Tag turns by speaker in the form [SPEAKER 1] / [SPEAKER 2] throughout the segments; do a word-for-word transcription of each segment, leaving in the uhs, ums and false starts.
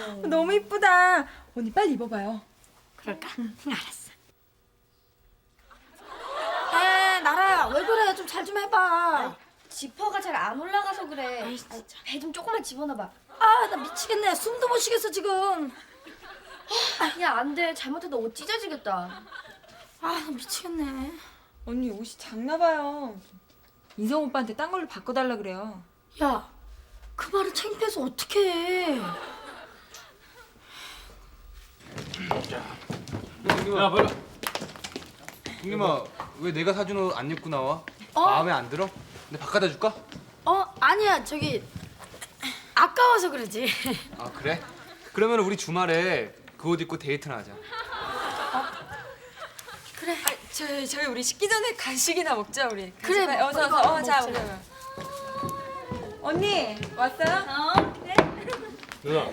[SPEAKER 1] 너무 이쁘다. 언니 빨리 입어봐요.
[SPEAKER 2] 그럴까? 응, 알았어. 에 나라야 왜 그래? 좀 잘 좀 해봐.
[SPEAKER 3] 지퍼가 잘 안 올라가서 그래.
[SPEAKER 2] 아이,
[SPEAKER 3] 배 좀 조금만 집어넣어봐.
[SPEAKER 2] 아 나 미치겠네. 숨도 못 쉬겠어 지금.
[SPEAKER 3] 야, 안 돼. 잘못해도 옷 찢어지겠다.
[SPEAKER 2] 아 나 미치겠네.
[SPEAKER 1] 언니 옷이 작나 봐요. 인성 오빠한테 딴 걸로 바꿔달라 그래요.
[SPEAKER 2] 야, 그 말을 창피해서 어떻게 해?
[SPEAKER 4] 야, 빨리. 형님아, 왜 내가 사준 옷 안 입고 나와?
[SPEAKER 2] 어?
[SPEAKER 4] 마음에 안 들어? 내가 바꿔다 줄까?
[SPEAKER 2] 어 아니야 저기 아까워서 그러지.
[SPEAKER 4] 아, 그래? 그러면 우리 주말에 그 옷 입고 데이트나 하자.
[SPEAKER 2] 그래.
[SPEAKER 1] 아, 저희 저희 우리 식기 전에 간식이나 먹자 우리.
[SPEAKER 2] 그래,
[SPEAKER 1] 간식 빨리 어서
[SPEAKER 2] 이거
[SPEAKER 1] 어서. 어, 자,
[SPEAKER 2] 먹자.
[SPEAKER 1] 우리. 언니 왔어요?
[SPEAKER 3] 어? 그래?
[SPEAKER 5] 누나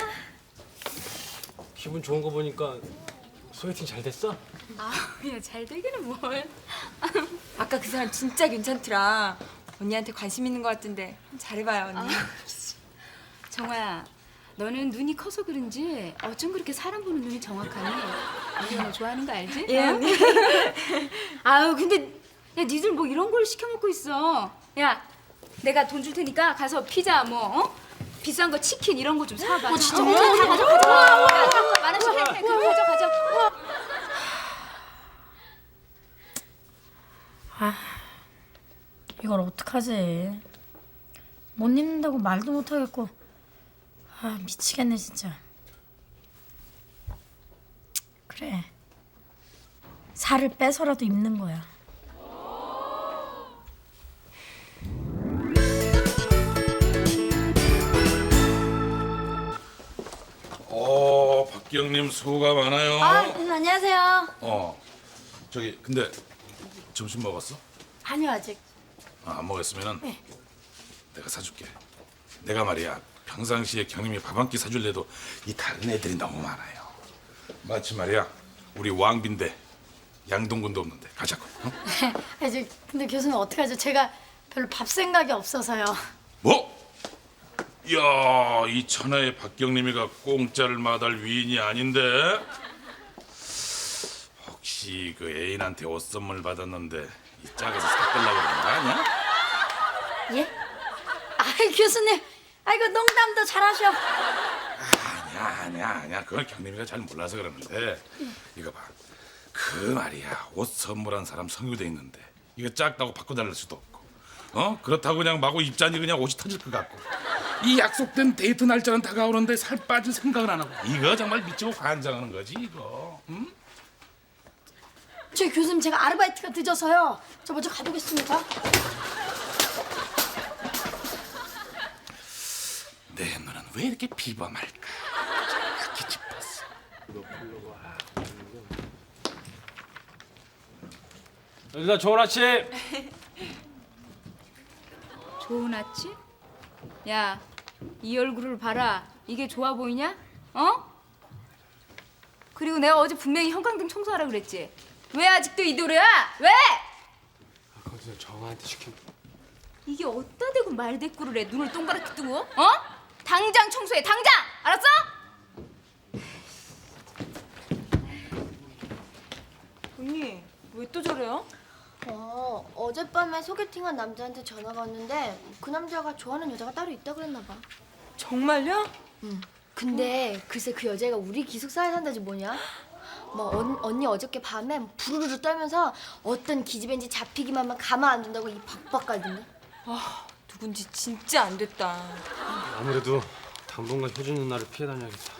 [SPEAKER 5] 기분 좋은 거 보니까 소개팅 잘 됐어?
[SPEAKER 1] 그냥 잘 되기는 뭘. 아까 그 사람 진짜 괜찮더라. 언니한테 관심 있는 것 같은데 잘해봐요 언니.
[SPEAKER 6] 정화야, 너는 눈이 커서 그런지 어쩜 그렇게 사람 보는 눈이 정확하니? 우리 너 좋아하는 거 알지?
[SPEAKER 1] 예
[SPEAKER 6] 어?
[SPEAKER 1] 언니.
[SPEAKER 6] 아유, 근데 야, 니들 뭐 이런 걸 시켜 먹고 있어? 야, 내가 돈 줄 테니까 가서 피자 뭐 어? 비싼 거 치킨 이런 거 좀 사봐.
[SPEAKER 2] 어, 진짜?
[SPEAKER 6] 어, 다 가져, 가져. 만 원씩 해, 해. 그거 가져, 가져.
[SPEAKER 2] 이걸 어떡하지? 못 입는다고 말도 못 하겠고. 아 미치겠네 진짜. 그래. 살을 빼서라도 입는 거야.
[SPEAKER 7] 어, 박기영님 수고가 많아요.
[SPEAKER 2] 아 음, 안녕하세요.
[SPEAKER 7] 어, 저기 근데 점심 먹었어?
[SPEAKER 2] 아니요 아직.
[SPEAKER 7] 아, 안 먹었으면은
[SPEAKER 2] 네.
[SPEAKER 7] 내가 사줄게. 내가 말이야 평상시에 경님이 밥 한 끼 사줄래도 이 다른 애들이 너무 많아요. 마치 말이야 우리 왕빈대 양동근도 없는데 가자고. 어?
[SPEAKER 2] 아, 저, 근데 교수님 어떡하죠? 제가 별로 밥 생각이 없어서요.
[SPEAKER 7] 뭐? 이야, 이 천하의 박경림이가 공짜를 마다할 위인이 아닌데? 혹시 그 애인한테 옷 선물 받았는데 이 짝에서 삭달라고 그런 거 아니야?
[SPEAKER 2] 예? 아 교수님, 아이고 농담도 잘하셔.
[SPEAKER 7] 아니야, 아니야, 아니야. 그건 경림이가 잘 몰라서 그러는데 이거 봐. 그 말이야, 옷 선물한 사람 성유돼 있는데 이거 작다고 바꿔달랄 수도 없고, 어? 그렇다고 그냥 마구 입자니 그냥 옷이 터질 것 같고, 이 약속된 데이트 날짜는 다가오는데 살 빠질 생각은 안 하고, 이거 정말 미치고 환장하는 거지 이거. 응?
[SPEAKER 2] 저 교수님 제가 아르바이트가 늦어서요. 저 먼저 가보겠습니다.
[SPEAKER 7] 내 눈은 왜 이렇게 비범할까? 정확히 짚었어.
[SPEAKER 5] 누나 좋은 아침.
[SPEAKER 6] 좋은 아침? 야, 이 얼굴을 봐라. 이게 좋아 보이냐? 어? 그리고 내가 어제 분명히 형광등 청소하라 그랬지? 왜 아직도 이 노래야? 왜?
[SPEAKER 5] 아까 전 정아한테 시킨.
[SPEAKER 6] 이게 어디다 대고 말대꾸를 해? 눈을 동그랗게 뜨고? 어? 당장 청소해, 당장! 알았어?
[SPEAKER 1] 언니 왜 또 저래요?
[SPEAKER 3] 어, 어젯밤에 소개팅한 남자한테 전화가 왔는데 그 남자가 좋아하는 여자가 따로 있다 그랬나 봐.
[SPEAKER 1] 정말요?
[SPEAKER 3] 근데 글쎄 그 여자가 우리 기숙사에 산다지 뭐냐? 뭐 언, 언니 어저께 밤에 부르르 떨면서 어떤 기집애인지 잡히기만 하면 가만 안 둔다고 이 박박 깔던데.
[SPEAKER 1] 아 누군지 진짜 안 됐다.
[SPEAKER 5] 아무래도 당분간 효준 누나를 피해 다녀야겠다.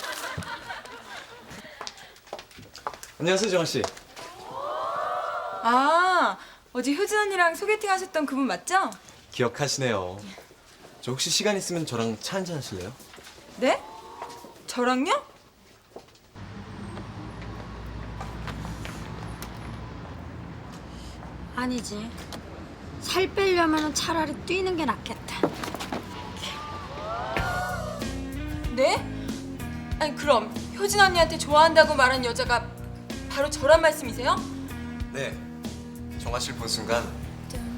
[SPEAKER 8] 안녕하세요, 정아 씨.
[SPEAKER 1] 아 어제 효진 언니랑 소개팅 하셨던 그분 맞죠?
[SPEAKER 8] 기억하시네요. 저 혹시 시간 있으면 저랑 차 한잔 하실래요?
[SPEAKER 1] 네? 저랑요?
[SPEAKER 2] 아니지. 살 빼려면 차라리 뛰는 게 낫겠다.
[SPEAKER 1] 네? 아니 그럼 효진 언니한테 좋아한다고 말한 여자가 바로 저란 말씀이세요?
[SPEAKER 8] 네. 정아 씨를 본 순간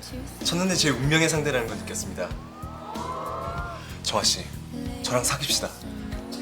[SPEAKER 8] 첫눈에 제 운명의 상대라는 걸 느꼈습니다. 정아 씨, 저랑 사귀시다.